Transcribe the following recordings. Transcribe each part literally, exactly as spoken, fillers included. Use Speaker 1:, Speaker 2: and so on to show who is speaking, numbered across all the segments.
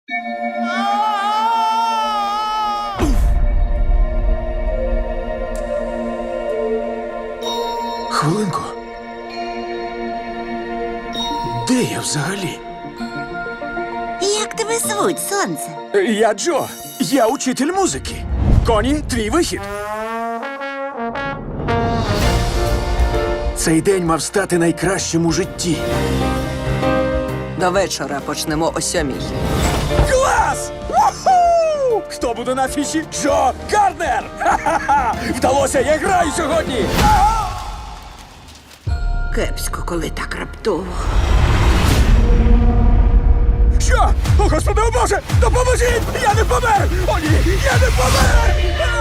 Speaker 1: Хвилинку. Де я взагалі?
Speaker 2: Як тебе звуть, сонце?
Speaker 1: Я Джо. Я учитель музики. Коні, твій вихід. Цей день мав стати найкращим у житті.
Speaker 3: До вечора почнемо о сьомій.
Speaker 1: Клас! Уху! Хто буде на афіші? Джо Гарднер! Ха-ха-ха! Вдалося, я граю сьогодні!
Speaker 2: Кепсько, коли так раптово.
Speaker 1: Що? О, Господи, о Боже! Допоможіть! Я не помер! О, ні! Я не помер!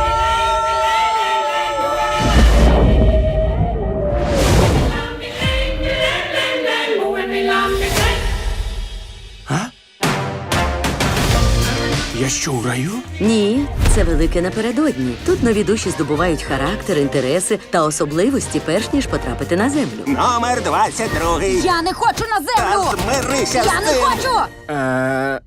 Speaker 1: А? Я що, у раю?
Speaker 4: Ні, це велике напередодні. Тут нові душі здобувають характер, інтереси та особливості, перш ніж потрапити на землю.
Speaker 5: Номер двадцять другий.
Speaker 6: Я не хочу на
Speaker 5: Та
Speaker 6: землю!
Speaker 5: змирися
Speaker 6: Я
Speaker 5: з
Speaker 6: не
Speaker 5: тим.
Speaker 6: хочу!
Speaker 1: Е,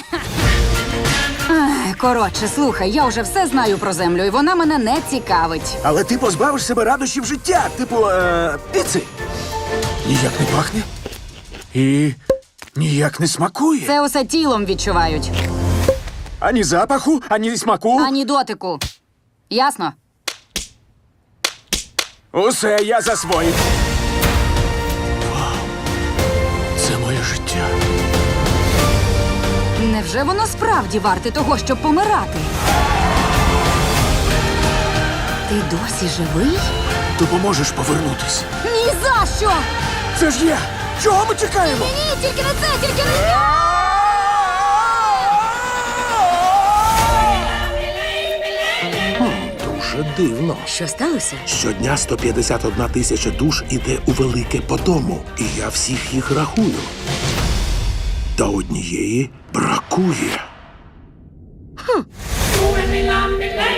Speaker 6: Ех, Коротше, слухай, я вже все знаю про землю, і вона мене не цікавить.
Speaker 1: але ти позбавиш себе радощів життя, типу, е, піци. Ніяк не пахне. І ніяк не смакує.
Speaker 6: Це усе тілом відчувають,
Speaker 1: Ані запаху, ані смаку.
Speaker 6: ані дотику. Ясно?
Speaker 1: Усе я засвоїв. Вау. Це моє життя.
Speaker 6: Невже воно справді варте того, щоб помирати? Ти досі живий?
Speaker 1: Допоможеш повернутись.
Speaker 6: Ні за що!
Speaker 1: Це ж я! Чого ми чекаємо?
Speaker 6: Ні, тільки не це, тільки не це!
Speaker 7: Дуже дивно.
Speaker 4: Що сталося?
Speaker 7: Щодня сто п'ятдесят одна тисяча душ іде у велике по дому, і я всіх їх рахую. Та однієї бракує.
Speaker 8: Moving me, lamb me,